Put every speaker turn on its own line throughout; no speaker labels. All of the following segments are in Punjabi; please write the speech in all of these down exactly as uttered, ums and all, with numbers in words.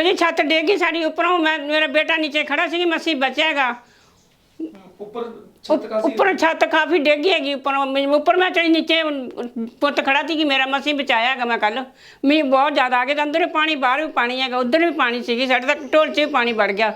जी छत डेगी साड़ी ऊपरों, मैं मेरा बेटा नीचे खड़ा सी, मसी बचेगा
ऊपर छत काफी
ऊपर छत काफ़ी डेगी हैगी ऊपर ऊपर मैं चढ़ी नीचे पुत खड़ा थी कि मेरा मसी बचाया है मैं कल मी बहुत ज़्यादा आ गया अंदर भी पानी बाहर भी पानी है उधर भी पानी सी साढ़े तक ढोल च भी पानी बढ़ गया।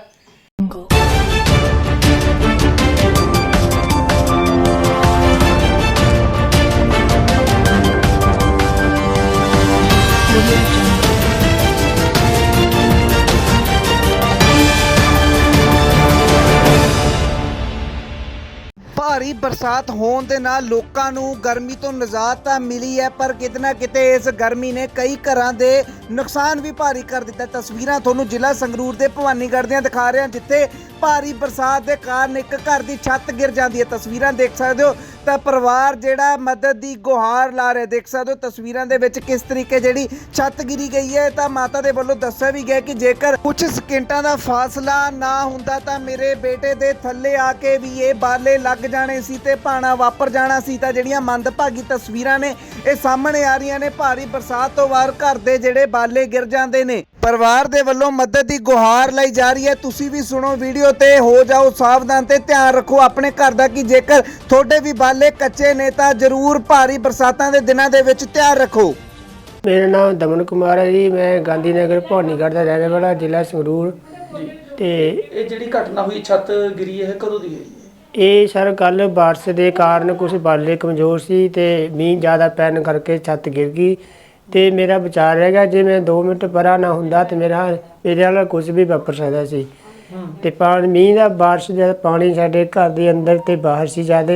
ਭਾਰੀ ਬਰਸਾਤ ਹੋਣ ਦੇ ਨਾਲ ਲੋਕਾਂ ਨੂੰ ਗਰਮੀ ਤੋਂ ਨਿਜਾਤ ਤਾਂ ਮਿਲੀ ਹੈ, ਪਰ ਕਿਤੇ ਨਾ ਕਿਤੇ ਇਸ ਗਰਮੀ ਨੇ ਕਈ ਘਰਾਂ ਦੇ ਨੁਕਸਾਨ ਵੀ ਭਾਰੀ ਕਰ ਦਿੱਤਾ। ਤਸਵੀਰਾਂ ਤੁਹਾਨੂੰ ਜ਼ਿਲ੍ਹਾ ਸੰਗਰੂਰ ਦੇ ਭਵਾਨੀਗੜ੍ਹ ਦੀਆਂ ਦਿਖਾ ਰਹੇ ਹਾਂ, ਜਿੱਥੇ ਭਾਰੀ ਬਰਸਾਤ ਦੇ ਕਾਰਨ ਇੱਕ ਘਰ ਦੀ ਛੱਤ ਗਿਰ ਜਾਂਦੀ ਹੈ। ਤਸਵੀਰਾਂ ਦੇਖ ਸਕਦੇ ਹੋ ਤਾਂ ਪਰਿਵਾਰ ਜਿਹੜਾ ਮਦਦ ਦੀ ਗੁਹਾਰ ਲਾ ਰਿਹਾ, ਦੇਖ ਸਕਦੇ ਹੋ ਤਸਵੀਰਾਂ ਦੇ ਵਿੱਚ ਕਿਸ ਤਰੀਕੇ ਜਿਹੜੀ ਛੱਤ ਗਿਰੀ ਗਈ ਹੈ। ਤਾਂ ਮਾਤਾ ਦੇ ਵੱਲੋਂ ਦੱਸਿਆ ਵੀ ਗਿਆ ਕਿ ਜੇਕਰ ਕੁਝ ਸਕਿੰਟਾਂ ਦਾ ਫਾਸਲਾ ਨਾ ਹੁੰਦਾ ਤਾਂ ਮੇਰੇ ਬੇਟੇ ਦੇ ਥੱਲੇ ਆ ਕੇ ਵੀ ਇਹ ਬਾਲੇ ਲੱਗ ਜਾਣੇ ਸੀ ਤੇ ਭਾਣਾ ਵਾਪਰ ਜਾਣਾ ਸੀ। ਤਾਂ ਜਿਹੜੀਆਂ ਮੰਦਭਾਗੀ ਤਸਵੀਰਾਂ ਨੇ ਇਹ ਸਾਹਮਣੇ ਆ ਰਹੀਆਂ ਨੇ। ਭਾਰੀ ਬਰਸਾਤ ਤੋਂ ਬਾਅਦ ਘਰ ਦੇ ਜਿਹੜੇ ਬਾਲੇ ਗਿਰ ਜਾਂਦੇ ਨੇ। ਪਰਿਵਾਰ ਦੇ ਵੱਲੋਂ ਮਦਦ ਦੀ ਗੁਹਾਰ ਲਈ ਜਾ ਰਹੀ ਹੈ। ਤੁਸੀਂ ਵੀ ਸੁਣੋ ਵੀਡੀਓ ਤੇ ਹੋ ਜਾਓ ਸਾਵਧਾਨ ਤੇ ਧਿਆਨ ਰੱਖੋ ਆਪਣੇ ਘਰ ਦਾ ਕਿ ਜੇਕਰ ਤੁਹਾਡੇ ਵੀ ਬਾਲੇ ਕੱਚੇ ਨੇ ਤਾਂ ਜ਼ਰੂਰ ਭਾਰੀ ਬਰਸਾਤਾਂ ਦੇ ਦਿਨਾਂ ਦੇ ਵਿੱਚ ਧਿਆਨ ਰੱਖੋ।
मेरा नाम दमन कुमार है जी, मैं गांधी नगर भवानीगढ़ का रहने वाला, जिला संगरूर।
जी
ਤੇ
ਇਹ ਜਿਹੜੀ ਘਟਨਾ ਹੋਈ ਛੱਤ ਗਿਰੀ ਹੈ ਕਦੋਂ ਦੀ ਹੈ ਜੀ?
ਇਹ ਸਰ ਕੱਲ ਬਾਰਿਸ਼ ਦੇ ਕਾਰਨ ਕੁਝ ਬਾਲੇ ਕਮਜ਼ੋਰ ਸੀ ਤੇ ਮੀਂਹ ਜ਼ਿਆਦਾ ਪੈਣ ਕਰਕੇ ਛੱਤ ਗਿਰ ਗਈ ਤੇ ਮੇਰਾ ਵਿਚਾਰ ਹੈਗਾ ਜੇ ਮੈਂ ਦੋ ਮਿੰਟ ਪਰਾਂ ਨਾ ਹੁੰਦਾ ਤੇ ਮੇਰਾ ਮੇਰੇ ਨਾਲ ਕੁਝ ਵੀ ਵਾਪਰ ਸਕਦਾ ਸੀ। ਤੇ ਪਾਣੀ ਮੀਂਹ ਦਾ ਬਾਰਿਸ਼ ਦਾ ਪਾਣੀ ਸਾਡੇ ਘਰ ਦੇ ਅੰਦਰ ਤੇ ਬਾਹਰ ਸੀ ਜ਼ਿਆਦਾ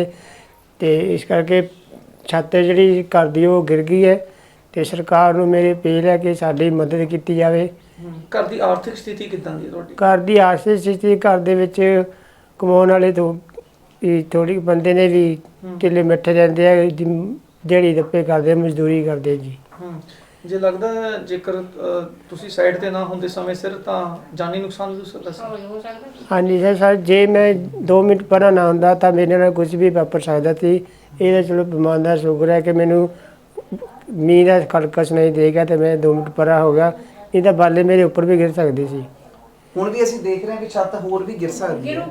ਤੇ ਇਸ ਕਰਕੇ ਛੱਤ ਜਿਹੜੀ ਘਰ ਦੀ ਉਹ ਗਿਰ ਗਈ ਹੈ ਤੇ ਸਰਕਾਰ ਨੂੰ ਮੇਰੇ ਅਪੀਲ ਹੈ ਕਿ ਸਾਡੀ ਮਦਦ ਕੀਤੀ ਜਾਵੇ।
ਘਰ ਦੀ ਆਰਥਿਕ ਸਥਿਤੀ ਕਿੱਦਾਂ ਦੀ ਹੈ ਤੁਹਾਡੀ?
ਘਰ ਦੀ ਆਰਥਿਕ ਸਥਿਤੀ ਘਰ ਦੇ ਵਿੱਚ ਕਮਾਉਣ ਵਾਲੇ ਤੋਂ ਥੋੜੀ ਬੰਦੇ ਨੇ ਵੀ ਢਿੱਲੇ ਮਿੱਠੇ ਰਹਿੰਦੇ ਆ, ਦਿਹਾੜੀ ਦੱਪੇ ਕਰਦੇ ਮਜ਼ਦੂਰੀ ਕਰਦੇ ਜੀ।
ਜੇ ਲੱਗਦਾ ਜੇਕਰ ਤੁਸੀਂ ਸਾਈਡ ਤੇ ਨਾ ਹੁੰਦੇ ਸਮੇਂ ਸਿਰ ਤਾਂ ਜਾਨੀ ਨੁਕਸਾਨ ਵੀ ਹੋ ਸਕਦਾ ਸੀ।
ਹਾਂਜੀ ਸਰ ਸਰ ਜੇ ਮੈਂ ਦੋ ਮਿੰਟ ਪਰਾਂ ਨਾ ਹੁੰਦਾ ਤਾਂ ਮੇਰੇ ਨਾਲ ਕੁਝ ਵੀ ਵਾਪਰ ਸਕਦਾ ਸੀ। ਇਹਦਾ ਚਲੋ ਭਗਵਾਨ ਦਾ ਸ਼ੁਕਰ ਹੈ ਕਿ ਮੈਨੂੰ ਮੀਂਹ ਦਾ ਖੜਕਸ ਨਹੀਂ ਦੇਗਾ ਤੇ ਮੈਂ ਦੋ ਮਿੰਟ ਪਰਾਂ ਹੋ ਗਿਆ, ਇਹ ਤਾਂ ਬਾਲੇ ਮੇਰੇ ਉੱਪਰ ਵੀ ਗਿਰ ਸਕਦੇ ਸੀ।
ਹੁਣ ਵੀ ਅਸੀਂ ਦੇਖ ਰਹੇ ਹਾਂ ਕਿ ਛੱਤ ਹੋਰ ਵੀ ਗਿਰ ਸਕਦੀ ਹੈ।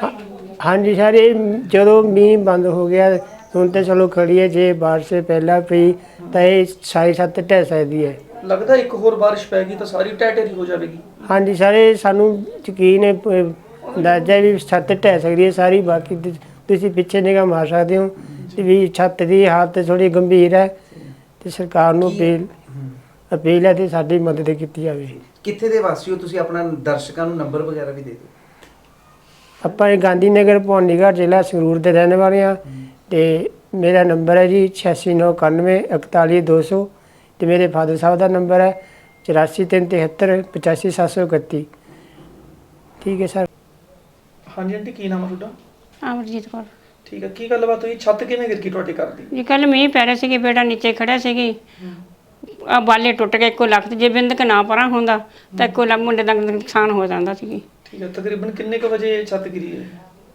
ਹਾਂਜੀ ਸਰ ਇਹ ਜਦੋਂ ਮੀਂਹ ਬੰਦ ਹੋ ਗਿਆ ਹੁਣ ਤਾਂ ਚਲੋ ਖੜੀ ਹੈ, ਜੇ ਬਾਰਿਸ਼ ਪਹਿਲਾਂ ਪਈ ਤਾਂ ਇਹ ਸਾਰੀ ਛੱਤ ਢਹਿ ਸਕਦੀ ਹੈ।
ਲੱਗਦਾ ਇੱਕ ਹੋਰ ਬਾਰਿਸ਼ ਪੈ ਗਈ ਤਾਂ ਸਾਰੀ ਢਹਿ ਢੇਰੀ ਹੋ ਜਾਵੇਗੀ।
ਹਾਂਜੀ ਸਰ ਇਹ ਸਾਨੂੰ ਯਕੀਨ ਹੈ, ਅੰਦਾਜ਼ਾ ਵੀ ਛੱਤ ਢਹਿ ਸਕਦੀ ਹੈ ਸਾਰੀ। ਬਾਕੀ ਤੁਸੀਂ ਪਿੱਛੇ ਨਿਗਾਹ ਮਾਰ ਸਕਦੇ ਹੋ ਵੀ ਛੱਤ ਦੀ ਹਾਲਤ ਥੋੜ੍ਹੀ ਗੰਭੀਰ ਹੈ ਤੇ ਸਰਕਾਰ ਨੂੰ ਅਪੀਲ ਅਪੀਲ ਹੈ ਤੇ ਸਾਡੀ ਮਦਦ ਕੀਤੀ ਜਾਵੇ।
ਕਿੱਥੇ ਦੇ ਵਾਸੀ ਹੋ ਤੁਸੀਂ? ਆਪਣਾ ਦਰਸ਼ਕਾਂ ਨੂੰ ਨੰਬਰ ਵਗੈਰਾ ਵੀ ਦੇ ਦਿਓ।
ਆਪਾਂ ਇਹ ਗਾਂਧੀ ਨਗਰ ਭਵਾਨੀਗੜ੍ਹ ਜ਼ਿਲ੍ਹਾ ਸੰਗਰੂਰ ਦੇ ਰਹਿਣ ਵਾਲੇ ਹਾਂ ਤੇ ਮੇਰਾ ਨੰਬਰ ਹੈ ਜੀ ਛਿਆਸੀ ਨੌ ਇਕਾਨਵੇਂ ਇਕਤਾਲੀ ਦੋ ਸੌ ਤੇ ਮੇਰੇ ਫਾਦਰ ਸਾਹਿਬ ਦਾ ਨੰਬਰ ਹੈ ਚੁਰਾਸੀ ਤਿੰਨ ਤਿਹੱਤਰ ਪਚਾਸੀ ਸੱਤ ਸੌ ਇਕੱਤੀ। ਠੀਕ ਹੈ ਸਰ।
ਹਾਂਜੀ ਆਂਟੀ ਕੀ ਨਾਮ ਹੈ ਤੁਹਾਡਾ?
ਅਮਰਜੀਤ ਕੌਰ।
ਠੀਕ ਹੈ, ਕੀ ਗੱਲਬਾਤ ਹੋਈ? ਛੱਤ ਕਿਵੇਂ ਗਿਰ ਗਈ ਤੁਹਾਡੇ ਘਰ ਦੀ?
ਜੀ ਕੱਲ ਮੀਂਹ ਪੈ ਰਿਹਾ ਸੀ, ਬੇਟਾ ਨੀਚੇ ਖੜਾ ਸੀ, ਆ ਬਾਲੇ ਟੁੱਟ ਗਏ ਇੱਕੋ ਲੱਖ। ਜੇ ਬਿੰਦਕ ਨਾ ਪਰਾਂ ਹੁੰਦਾ ਤਾਂ ਇੱਕੋ ਲੱਖ ਮੁੰਡੇ ਦਾ ਨੁਕਸਾਨ ਹੋ ਜਾਂਦਾ ਸੀ।
ਠੀਕ ਹੈ, ਤਕਰੀਬਨ ਕਿੰਨੇ ਕੁ ਵਜੇ ਛੱਤ ਗਿਰੀ ਹੈ?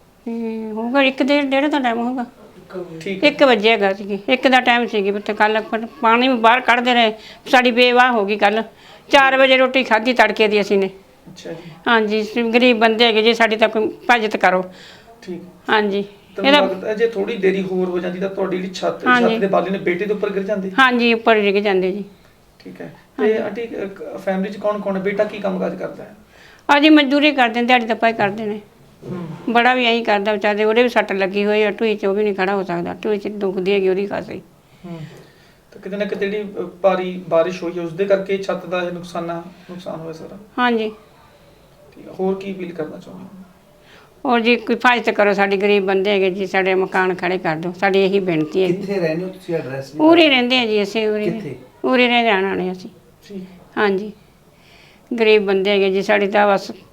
ਹੋਊਗਾ ਇੱਕ ਡੇਢ ਡੇਢ ਦਾ ਟਾਈਮ ਹੋਊਗਾ।
ਠੀਕ
ਇੱਕ ਵਜੇ ਹੈਗਾ ਸੀ, ਇੱਕ ਦਾ ਟਾਈਮ ਸੀਗੀ। ਤੇ ਕੱਲ ਪਾਣੀ ਵੀ ਬਾਹਰ ਕੱਢਦੇ ਰਹੇ, ਸਾਡੀ ਬੇਵਾਹ ਹੋ ਗਈ। ਕੱਲ ਚਾਰ ਵਜੇ ਰੋਟੀ ਖਾਧੀ ਤੜਕੇ ਦੀ ਅਸੀਂ ਨੇ।
ਅੱਛਾ ਜੀ।
ਹਾਂਜੀ ਗਰੀਬ ਬੰਦੇ ਹੈਗੇ ਜੀ, ਸਾਡੀ ਤਾਂ ਕੋਈ ਭਾਜਤ ਕਰੋ।
ਠੀਕ।
ਹਾਂਜੀ
ਇਹਦਾ ਜੇ ਥੋੜੀ ਦੇਰੀ ਹੋਰ ਹੋ ਜਾਂਦੀ ਤਾਂ ਤੁਹਾਡੀ ਜਿਹੜੀ ਛੱਤ ਛੱਤ ਦੇ ਬਾਲੇ ਨੇ ਬੇਟੇ ਦੇ ਉੱਪਰ ਗਿਰ ਜਾਂਦੇ?
ਹਾਂਜੀ ਉੱਪਰ ਡਿੱਗ ਜਾਂਦੇ ਜੀ।
ਠੀਕ ਹੈ। ਤੇ ਆਂਟੀ ਫੈਮਿਲੀ 'ਚ ਕੌਣ ਕੌਣ ਹੈ? ਬੇਟਾ ਕੀ ਕੰਮਕਾਜ ਕਰਦਾ ਹੈ?
ਹਾਂਜੀ ਮਜ਼ਦੂਰੀ ਕਰਦੇ ਨੇ, ਦਿਹਾੜੀ ਦੱਪਾ ਹੀ ਕਰਦੇ ਨੇ। ਬੜਾ ਵੀ ਐਂ ਕਰਦਾ ਵਿਚਾਰੇ, ਉਹਦੇ ਵੀ ਸੱਟ ਲੱਗੀ ਹੋਈ ਆ ਢੂਈ 'ਚ, ਉਹ ਵੀ ਨਹੀਂ ਖੜਾ ਹੋ ਸਕਦਾ। ਢੂਈ 'ਚ ਦੁਖਦੀ ਹੈਗੀ ਉਹਦੀ ਖਾਸੀ।
ਤਾਂ ਕਿਤੇ ਨਾ ਕਿਤੇ ਜਿਹੜੀ ਭਾਰੀ ਬਾਰਿਸ਼ ਹੋਈ ਹੈ ਉਸਦੇ ਕਰਕੇ ਛੱਤ ਦਾ ਇਹ ਨੁਕਸਾਨ ਨੁਕਸਾਨ ਹੋਇਆ ਸਾਰਾ।
ਹਾਂਜੀ।
ਠੀਕ ਹੈ, ਹੋਰ ਕੀ ਅਪੀਲ ਕਰਨਾ ਚਾਹੁੰਦੇ ਹੋ?
ਔਰ ਜੀ ਕੋਈ ਫਾਇਦ ਕਰੋ, ਸਾਡੇ ਗਰੀਬ ਬੰਦੇ ਹੈਗੇ ਜੀ, ਸਾਡੇ ਮਕਾਨ ਖੜੇ ਕਰ ਦਿਓ, ਸਾਡੀ ਇਹੀ ਬੇਨਤੀ ਹੈ।
ਕਿੱਥੇ ਰਹਿੰਦੇ ਹੋ ਤੁਸੀਂ? ਐਡਰੈਸ?
ਉਰੇ ਰਹਿੰਦੇ ਆ ਜੀ ਅਸੀਂ, ਉਰੇ
ਕਿੱਥੇ?
ਉਰੇ ਰਹਿ ਜਾਣ ਵਾਲੇ ਅਸੀਂ।
ਠੀਕ।
ਹਾਂਜੀ ਗਰੀਬ ਬੰਦੇ ਹੈਗੇ ਜੀ, ਸਾਡੀ ਤਾਂ ਬਸ